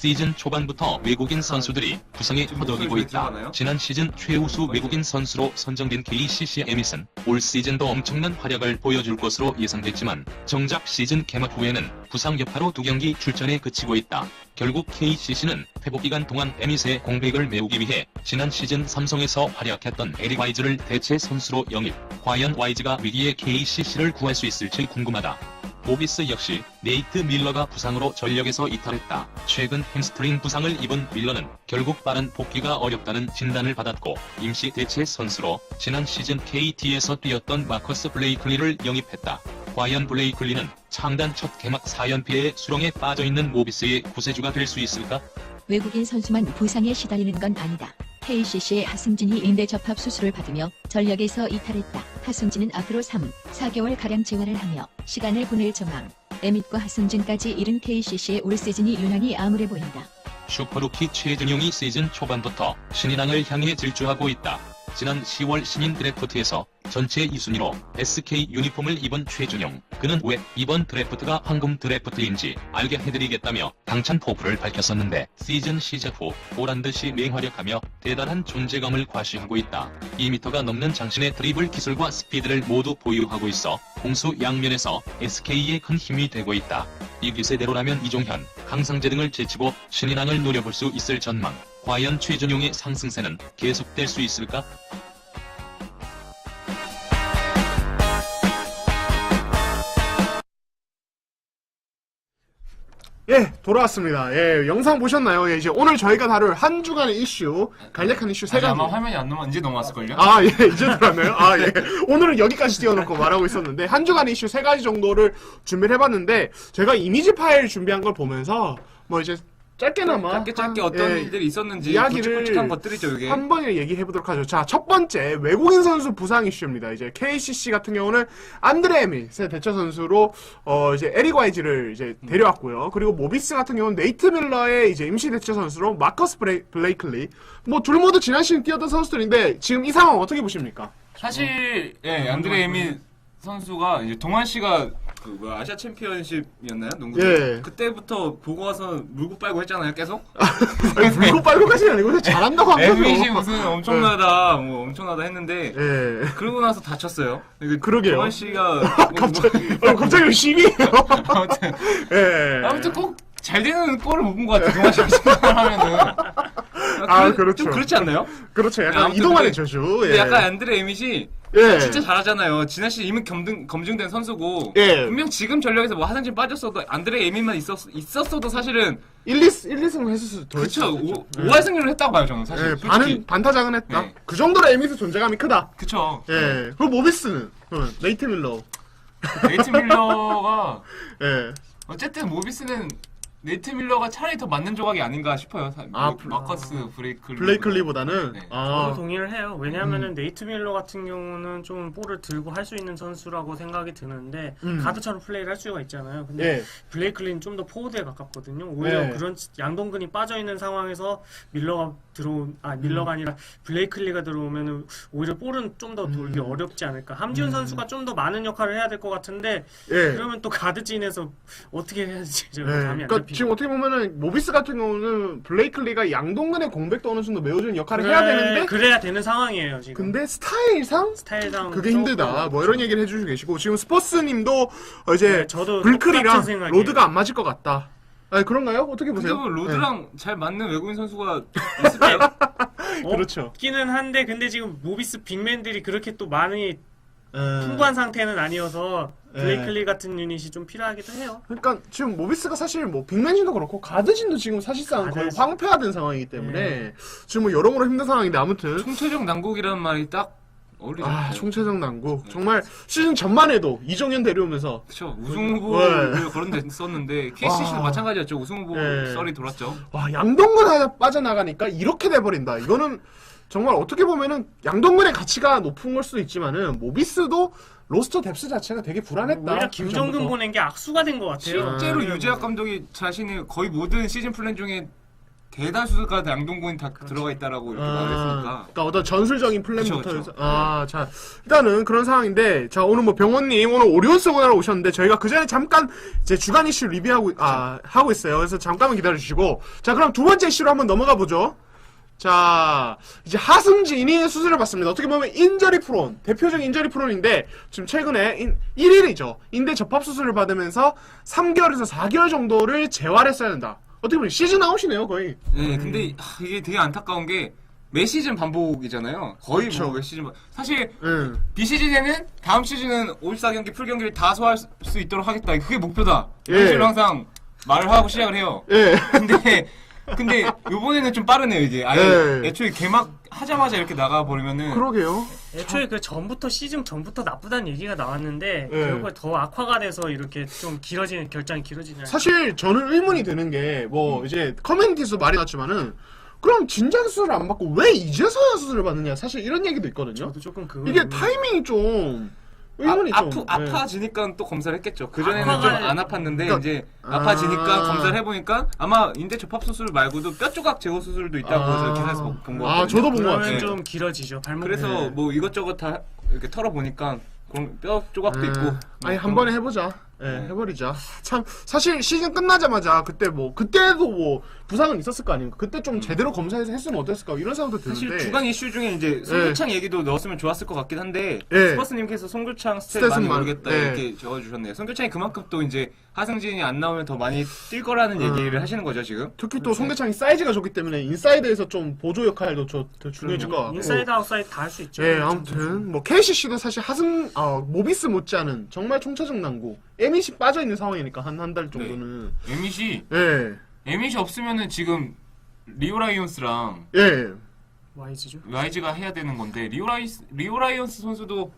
시즌 초반부터 외국인 선수들이 부상에 허덕이고 있다. 지난 시즌 최우수 외국인 선수로 선정된 KCC 에밋은 올 시즌도 엄청난 활약을 보여줄 것으로 예상됐지만 정작 시즌 개막 후에는 부상 여파로 2경기 출전에 그치고 있다. 결국 KCC는 회복 기간 동안 에밋의 공백을 메우기 위해 지난 시즌 삼성에서 활약했던 에릭 와이즈를 대체 선수로 영입. 과연 와이즈가 위기의 KCC를 구할 수 있을지 궁금하다. 모비스 역시 네이트 밀러가 부상으로 전력에서 이탈했다. 최근 햄스트링 부상을 입은 밀러는 결국 빠른 복귀가 어렵다는 진단을 받았고 임시 대체 선수로 지난 시즌 KT에서 뛰었던 마커스 블레이클리를 영입했다. 과연 블레이클리는 창단 첫 개막 4연패의 수렁에 빠져있는 모비스의 구세주가 될 수 있을까? 외국인 선수만 부상에 시달리는 건 아니다. KCC의 하승진이 인대 접합 수술을 받으며 전력에서 이탈했다. 하승진은 앞으로 3, 4개월가량 재활을 하며 시간을 보낼 전망. 에밋과 하승진까지 이른 KCC의 올 시즌이 유난히 암울해 보인다. 슈퍼루키 최준용이 시즌 초반부터 신인왕을 향해 질주하고 있다. 지난 10월 신인 드래프트에서 전체 2순위로 SK 유니폼을 입은 최준용. 그는 왜 이번 드래프트가 황금 드래프트인지 알게 해드리겠다며 당찬 포부를 밝혔었는데 시즌 시작 후 보란듯이 맹활약하며 대단한 존재감을 과시하고 있다. 2m가 넘는 장신의 드리블 기술과 스피드를 모두 보유하고 있어 공수 양면에서 SK의 큰 힘이 되고 있다. 이 기세대로라면 이종현, 강상재 등을 제치고 신인왕을 노려볼 수 있을 전망. 과연 최준용의 상승세는 계속될 수 있을까? 예, 돌아왔습니다. 예, 영상 보셨나요? 예, 이제 오늘 저희가 다룰 한 주간의 이슈, 간략한 이슈 세 가지. 아마 화면이 안 넘어 이제 넘어왔을걸요? 아, 예, 이제 들어왔나요? 아, 예. 오늘은 여기까지 띄워놓고 말하고 있었는데, 한 주간의 이슈 세 가지 정도를 준비를 해봤는데, 제가 이미지 파일 준비한 걸 보면서, 뭐 이제, 짧게나마. 짧게 어떤 예, 일들이 있었는지 이야기를 굵직굵직한 것들이죠, 이게. 한 번에 얘기해보도록 하죠. 자, 첫 번째, 외국인 선수 부상 이슈입니다. 이제 KCC 같은 경우는 안드레 에밋의 대처 선수로, 이제 에릭 와이즈를 이제 데려왔고요. 그리고 모비스 같은 경우는 네이트 밀러의 이제 임시 대처 선수로 마커스 블레이클리. 뭐, 둘 모두 지난 시즌 뛰었던 선수들인데, 지금 이 상황 어떻게 보십니까? 사실 예, 안드레 에밋 선수가 이제 동환 씨가 그 아시아 챔피언십이었나요? 농구. 예. 그때부터 보고 와서 물고 빨고 했잖아요, 계속. 아니, 물고 빨고까지는 아니고, 그냥 잘한다고 한 거죠. 에밋이 무슨 엄청나다, 뭐 엄청나다 했는데. 예. 그러고 나서 다쳤어요. 그러게요. 동환 씨가 갑자기 왜 시비예요? 아무튼 예. 아무튼 꼭 잘 되는 골을 못 본 것 같아요. 동환 씨가 생각하면은. 아, 그렇죠. 좀 그렇지 않나요? 그렇죠. 약간 아무튼 이동하는 근데- 저주. 근데 예. 약간 안드레 에밋이 예. 진짜 잘하잖아요. 지난 시즌 이미 검증된 선수고 예. 분명 지금 전력에서 뭐 하승진 빠졌어도 안드레 에밋만 있었어도 사실은 1, 2승 했을 더 그쵸 했죠. 5할 승률을 했다고 봐요 저는 사실. 예, 솔직히. 반타작은 했다. 네. 그 정도로 에밋의 존재감이 크다. 그쵸. 예. 그리고 모비스는 네이트 밀러. 네이트 밀러가 예. 어쨌든 모비스는 네이트 밀러가 차라리 더 맞는 조각이 아닌가 싶어요. 마커스 블레이클리보다는 네. 아, 저도 동의를 해요. 왜냐하면은 네이트 밀러 같은 경우는 좀 볼을 들고 할 수 있는 선수라고 생각이 드는데 가드처럼 플레이를 할 수가 있잖아요. 근데 예. 블레이클리는 좀 더 포워드에 가깝거든요. 오히려 네. 그런 양동근이 빠져 있는 상황에서 밀러가 아니라 블레이클리가 들어오면은 오히려 볼은 좀 더 돌기 어렵지 않을까. 함지훈 선수가 좀 더 많은 역할을 해야 될 것 같은데 예. 그러면 또 가드진에서 어떻게 해야 될지 예. 감이 안 그러니까 잡히고. 지금 어떻게 보면은 모비스 같은 경우는 블레이클리가 양동근의 공백도 어느 정도 메워주는 역할을 해야 되는데 그래야 되는 상황이에요 지금. 근데 스타일상 스타일상 그게 조금 힘들다. 뭐 이런 얘기를 해주시고 계시고 지금 스포츠님도 이제 네, 저도 불클이랑 똑같은 생각이에요. 로드가 안 맞을 것 같다. 아니 그런가요? 어떻게 근데 보세요? 뭐 로드랑 잘 맞는 외국인 선수가 있을까요? 그렇죠. 없기는 한데 근데 지금 모비스 빅맨들이 그렇게 또 많이 예. 풍부한 상태는 아니어서 예. 블레이클리 같은 유닛이 좀 필요하기도 해요. 그러니까 지금 모비스가 사실 뭐 빅맨진도 그렇고 가드진도 지금 사실상 거의 가드. 황폐화된 상황이기 때문에 지금 뭐 여러모로 힘든 상황인데 아무튼 총체적 난국이라는 말이 딱 어울리죠. 총체적 난국 정말 시즌 전만 해도 이정현 데려오면서 그쵸. 우승 후보를 네. 거론됐었는데 KCC도 와. 마찬가지였죠. 우승 후보 네. 썰이 돌았죠. 와 양동근 하나 빠져나가니까 이렇게 돼버린다. 이거는 정말 어떻게 보면은 양동근의 가치가 높은 걸 수도 있지만은 모비스도 로스터 뎁스 자체가 되게 불안했다. 오히려 김정근 그 전부터. 보낸 게 악수가 된 것 같아요. 실제로 네. 유재학 감독이 자신의 거의 모든 시즌 플랜 중에 대다수가 양동근이 다 들어가 있다라고 이렇게 말했으니까. 그러니까 어떤 전술적인 플랜부터 그쵸, 해서 자 일단은 그런 상황인데 자 오늘 뭐 병원님 오늘 오리온스 공연하러 오셨는데 저희가 그 전에 잠깐 이제 주간 이슈 리뷰하고 하고 있어요. 그래서 잠깐만 기다려 주시고 자 그럼 두 번째 이슈로 한번 넘어가 보죠. 자 이제 하승진이 수술을 받습니다. 어떻게 보면 인저리 프론 대표적인 인저리 프론인데 지금 최근에 1일이죠. 인대 접합 수술을 받으면서 3개월에서 4개월 정도를 재활했어야 된다. 어떻게 보면 시즌 아웃이네요 거의. 네, 근데 이게 되게 안타까운 게 매 시즌 반복이잖아요. 거의 그쵸. 뭐 매 시즌 사실 비시즌에는 다음 시즌은 54경기 풀경기를 다 소화할 수 있도록 하겠다. 그게 목표다. 이런 예. 식으로 항상 말을 하고 시작을 해요. 예. 근데 요번에는 좀 빠르네요, 이게. 아예 예. 애초에 개막하자마자 이렇게 나가버리면은. 그러게요. 애초에 그 전부터 시즌 전부터 나쁘다는 얘기가 나왔는데 네. 결국에 더 악화가 돼서 이렇게 좀 길어지는 결장이 길어지냐. 사실 저는 의문이 드는 게 뭐 이제 커뮤니티에서 말이 났지만은 그럼 진작 수술을 안 받고 왜 이제서야 수술을 받느냐 사실 이런 얘기도 있거든요. 저도 조금 그거 이게 타이밍이 좀 의문이 좀 아파지니까 또 검사를 했겠죠. 그전에는 악화가- 좀 안 아팠는데, 그러니까- 이제 아파지니까 검사를 해보니까 아마 인대 접합 수술 말고도 뼈 조각 제거 수술도 있다고 해서 기사에서 본 거 같아요. 저도 본 거 그러면 같아요. 좀 길어지죠. 발목. 그래서 네. 뭐 이것저것 다 이렇게 털어보니까 그럼 뼈 조각도 있고. 아니 한 번에 해보자. 해버리자. 참 사실 시즌 끝나자마자 그때도 뭐 부상은 있었을 거 아닙니까? 그때 좀 제대로 검사해서 했으면 어땠을까 이런 생각도 드는데. 사실 주간 이슈 중에 이제 송교창 얘기도 넣었으면 좋았을 것 같긴 한데 예. 스퍼스님께서 송교창 스탯 스탯은 많이 많- 모르겠다 예. 이렇게 적어주셨네요. 송교창이 그만큼 또 이제 하승진이 안 나오면 더 많이 뛸 거라는 얘기를 하시는 거죠 지금. 특히 또 송대창이 사이즈가 좋기 때문에 인사이드에서 좀 보조 역할도 더 중요해질 것 같고. 인사이드 아웃사이드 다 할 수 있죠. 예, 아무튼 뭐 KCC도 사실 모비스 못지않은 정말 총체적 난고. 에밋이 빠져 있는 상황이니까 한 달 정도는. 에밋이 예, 없으면은 지금 리오라이온스랑 예. 와이즈죠. YG가 해야 되는 건데 리오라이온스 선수도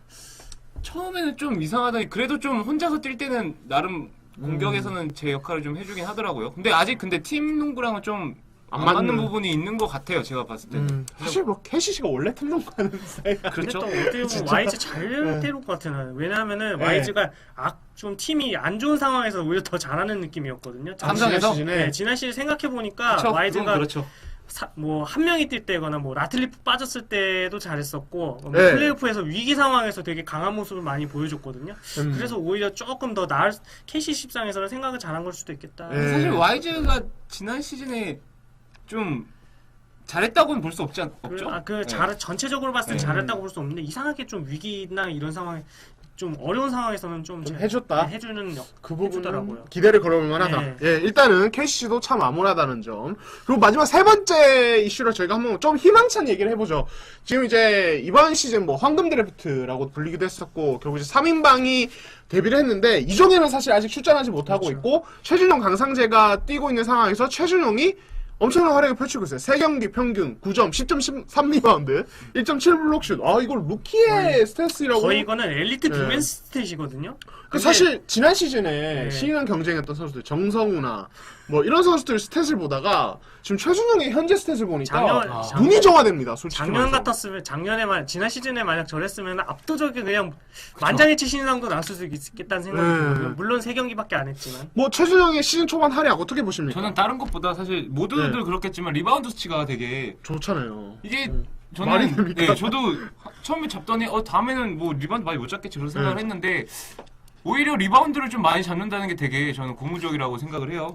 처음에는 좀 이상하다. 그래도 좀 혼자서 뛸 때는 나름 공격에서는 제 역할을 좀 해주긴 하더라고요. 근데 아직 팀 농구랑은 좀 안 맞는 맞는- 부분이 있는 것 같아요. 제가 봤을 때는. 사실 뭐 KCC가 원래 탐정가는 스타일. 근데 그렇죠. 또 어떻게 보면 진짜. 와이즈 잘 때릴 것 같아요. 왜냐하면은 네. 와이즈가 좀 팀이 안 좋은 상황에서 오히려 더 잘하는 느낌이었거든요. 삼성에서? 네, 지난 시즌 생각해 보니까 그쵸? 와이즈가 그건 그렇죠. 뭐 한 명이 뛸 때거나 뭐 라틀리프 빠졌을 때도 잘했었고 뭐 네. 플레이오프에서 위기 상황에서 되게 강한 모습을 많이 보여줬거든요. 그래서 오히려 조금 더 나을 KCC 입장에서는 생각을 잘한 걸 수도 있겠다. 네. 사실 YG가 지난 시즌에 좀 잘했다고는 볼 수 없죠. 전체적으로 봤을 때 잘했다고 볼 수 없는데 이상하게 좀 위기나 이런 상황에 좀 어려운 상황에서는 좀 해줬다. 해주는 그 해주더라고요. 부분은 기대를 걸어볼 만하다. 네. 예, 일단은 KCC도 참 암울하다는 점. 그리고 마지막 세 번째 이슈로 저희가 한번 좀 희망찬 얘기를 해보죠. 지금 이제 이번 시즌 뭐 황금 드래프트라고 불리기도 했었고 결국 이제 3인방이 데뷔를 했는데 이종현은 사실 아직 출전하지 못하고 그렇죠. 있고 최준용 강상재가 뛰고 있는 상황에서 최준용이 엄청난 활약을 펼치고 있어요. 3경기 평균 9점, 10.3 리바운드, 1.7 블록슛. 이걸 루키의 스탯이라고. 거의 이거는 엘리트 네. 디펜스 스탯이거든요. 그 사실 지난 시즌에 네. 신인왕 경쟁했던 선수들 정성우나 뭐 이런 선수들 스탯을 보다가 지금 최준용의 현재 스탯을 보니까 눈이 정화됩니다. 솔직히 작년 말해서. 같았으면 지난 시즌에 만약 저랬으면 압도적인 그냥 만장일치 신인왕도 나왔을 수 있겠다는 생각이 들거든요. 물론 3경기밖에 안 했지만. 뭐 최준용의 시즌 초반 활약 어떻게 보십니까? 저는 다른 것보다 사실 모두들 네. 그렇겠지만 리바운드 수치가 되게 좋잖아요. 이게 말이 저는 됩니까? 저도 처음에 잡더니 다음에는 뭐 리바운드 많이 못 잡겠지 그런 생각을 네. 했는데 오히려 리바운드를 좀 많이 잡는다는 게 되게 저는 고무적이라고 생각을 해요.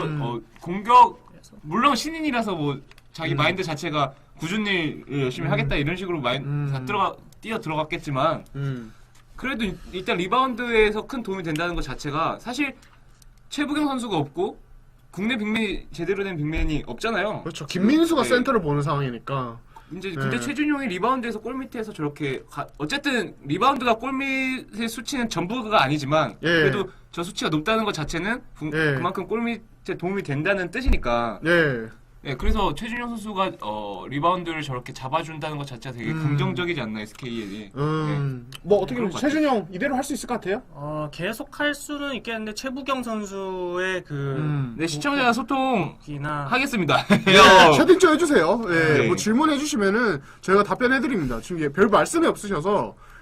공격 물론 신인이라서 뭐 자기 마인드 자체가 꾸준히 일 열심히 하겠다 이런 식으로 뛰어 들어갔겠지만 그래도 일단 리바운드에서 큰 도움이 된다는 것 자체가 사실 최부경 선수가 없고 국내 빅맨이 제대로 된 빅맨이 없잖아요. 그렇죠. 김민수가 네. 센터를 보는 상황이니까. 근데 최준용이 리바운드에서 골밑에서 저렇게 어쨌든 리바운드가 골밑의 수치는 전부가 아니지만 예. 그래도 저 수치가 높다는 것 자체는 예. 그만큼 골밑에 도움이 된다는 뜻이니까. 네. 네, 그래서 최준용 선수가 리바운드를 저렇게 잡아준다는 것 자체가 되게 긍정적이지 않나 SK에. 뭐 어떻게 그런 보면 것 최준용 이대로 할 수 있을 것 같아요? 계속 할 수는 있겠는데 최부경 선수의 네, 시청자 소통 기나 하겠습니다. 채팅 좀 해주세요. 예, 네. 뭐 질문해 주시면은 저희가 답변해 드립니다. 지금 별 말씀이 없으셔서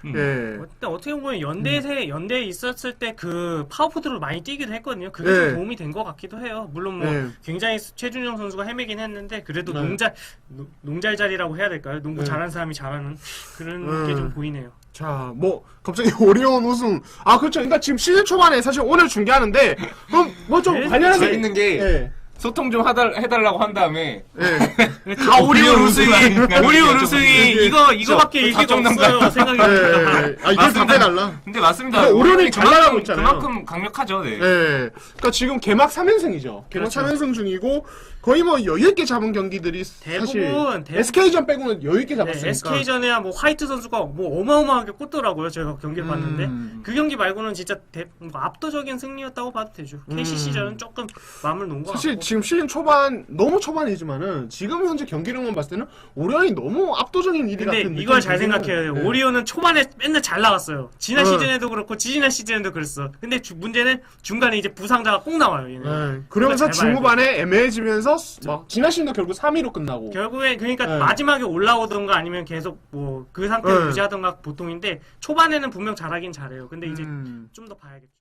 예. 근데 어떻게 보면 연대에 있었을 때 그 파워포드로 많이 뛰기도 했거든요. 그게 네. 좀 도움이 된 것 같기도 해요. 물론 뭐 네. 굉장히 최준영 선수가 헤매긴 했는데 그래도 네. 농잘자리라고 해야 될까요? 농구 네. 잘하는 사람이 잘하는 그런 게 좀 보이네요. 자, 뭐 갑자기 오리온 우승. 아, 그렇죠. 그러니까 지금 시즌 초반에 사실 오늘 중계하는데 그럼 뭐 좀 네? 관련해서 재밌는 게 예. 소통 좀 해달라고 한 다음에 예. 다 오리온 우승이 오리온 우승이 예. 이거밖에 얘기가 답정답답. 없어요. 생각이 예. 듭니다. 아, 이걸 맞습니다. 답해달라. 근데 맞습니다. 근데 오리온이 잘 나가고 있잖아요. 그만큼 강력하죠. 네. 예. 그러니까 지금 개막 3연승이죠. 개막 그렇죠. 3연승 중이고 거의 뭐 여유 있게 잡은 경기들이 사실 대부분 SK전 빼고는 여유 있게 잡았으니까. SK전에야 뭐 화이트 선수가 뭐 어마어마하게 꽂더라고요. 제가 경기를 봤는데 그 경기 말고는 진짜 뭐 압도적인 승리였다고 봐도 되죠. KCC전은 조금 마음을 놓은 것 사실 같고. 지금 시즌 초반 너무 초반이지만은 지금 현재 경기력만 봤을 때는 오리온이 너무 압도적인 1위 같은 근데 느낌이 이걸 잘 들기는 생각해야 돼요. 네. 오리온은 초반에 맨날 잘 나갔어요. 지난 네. 시즌에도 그렇고 지지난 시즌에도 그랬어. 근데 문제는 중간에 이제 부상자가 꼭 나와요. 얘는. 네. 그러면서 그걸 잘 봐야 중후반에 애매해지면서 막 지난 시즌도 결국 3위로 끝나고. 결국에 그러니까 네. 마지막에 올라오던가 아니면 계속 뭐 그 상태를 네. 유지하던가 보통인데 초반에는 분명 잘하긴 잘해요. 근데 이제 좀 더 봐야겠죠.